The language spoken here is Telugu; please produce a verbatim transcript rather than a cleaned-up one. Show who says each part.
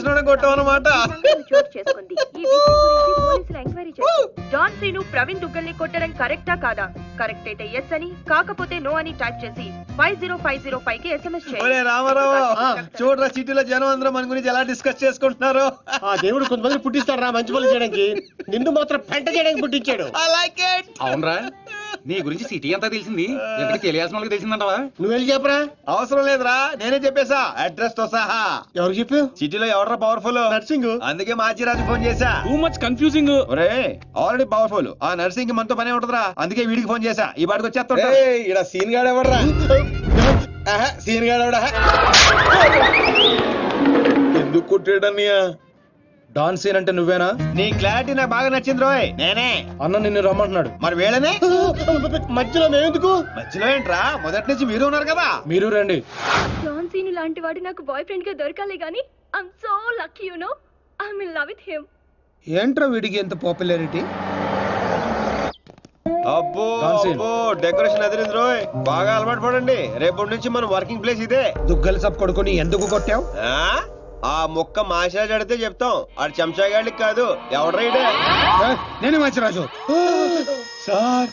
Speaker 1: చూసిన కొట్టాం అనమాట.
Speaker 2: చోటు చేసుకుంది. ఈ విషయం గురించి పోలీసులు ఎంక్వైరీ చేశారు. జాన్ శ్రీను ప్రవీణ్ దుగ్గల్ని కొట్టడం కరెక్టా కాదా? కరెక్ట్ అయితే ఎస్ అని, కాకపోతే నో అని టైప్ చేసి five zero five zero five కి ఎస్ఎంఎస్ చేయండి.
Speaker 1: రామారావు చూడరా, సిటీలో జనం అందరూ మన గురించి ఎలా డిస్కస్ చేసుకుంటున్నారు.
Speaker 3: ఆ దేవుడు కొంతమంది పుట్టిస్తాడు రా మంచి పనులు చేయడానికి, నిన్ను మాత్రం పెంట చేయడానికి పుట్టించాడు.
Speaker 1: I like it.
Speaker 4: అవునరా, నీ గురించి సిటీ అంతా తెలిసింది. ఎక్కడికి తెలియాల్సిన వాళ్ళకి తెలిసిందంటవా?
Speaker 3: నువ్వు వెళ్ళి చెప్పరా.
Speaker 1: అవసరం లేదురా, నేనే చెప్పేశా అడ్రస్ తో సహా.
Speaker 3: ఎవరు చెప్పు?
Speaker 1: సిటీలో ఎవడరా పవర్ఫుల్?
Speaker 3: నర్సింగ్.
Speaker 1: అందుకే మాచిరాజు ఫోన్ చేశా.
Speaker 4: Too much confusing.
Speaker 1: ఒరే ఆల్రెడీ పవర్ఫుల్, ఆ నర్సింగ్ మనతో పనే ఉంటదిరా. అందుకే వీడికి ఫోన్ చేశా, ఈ పాటికి వచ్చేస్తా.
Speaker 5: ఇక్కడ సీన్ గాడు ఎవడరా? సీన్ గాడు ఎవడా? ఎందుకు కొట్టాడన్నయ్యా?
Speaker 6: డాన్ సీన్ అంటే నువ్వేనా?
Speaker 1: నీ క్లారిటీ నాకు బాగా నచ్చింది రోయ్. నేనే.
Speaker 6: అన్న నిన్ను రమ్మంటున్నాడు.
Speaker 1: మరి వేళనే
Speaker 3: మధ్యలో మేమెందుకు?
Speaker 1: మధ్యలో ఏంట్రా, మొదటి నుంచి మీరు ఉన్నారు కదా.
Speaker 6: మీరు రండి.
Speaker 2: జాన్ శ్రీను లాంటి వాడు నాకు బాయ్ ఫ్రెండ్ గా దొరకాలి గానీ I'm so lucky you know. I'm in love with him.
Speaker 6: ఏంట్రా వీడికి ఎంత పాపులారిటీ?
Speaker 1: అబ్బో
Speaker 6: Dancing.
Speaker 1: అబ్బో డెకరేషన్ అదిరింది రోయ్. బాగా అలవాటు పడండి, రేపటి నుంచి మన వర్కింగ్ ప్లేస్ ఇదే.
Speaker 6: దుగ్గల సబ్ కొడుకుని ఎందుకు కొట్టావు?
Speaker 1: ఆ ఆ మొక్క మాషాజ్ అడితే చెప్తాం, ఆడు చెంచాగాళ్ళకి కాదు. ఎవడ్రైడే
Speaker 6: నేనే మంచి రాజు
Speaker 1: సార్.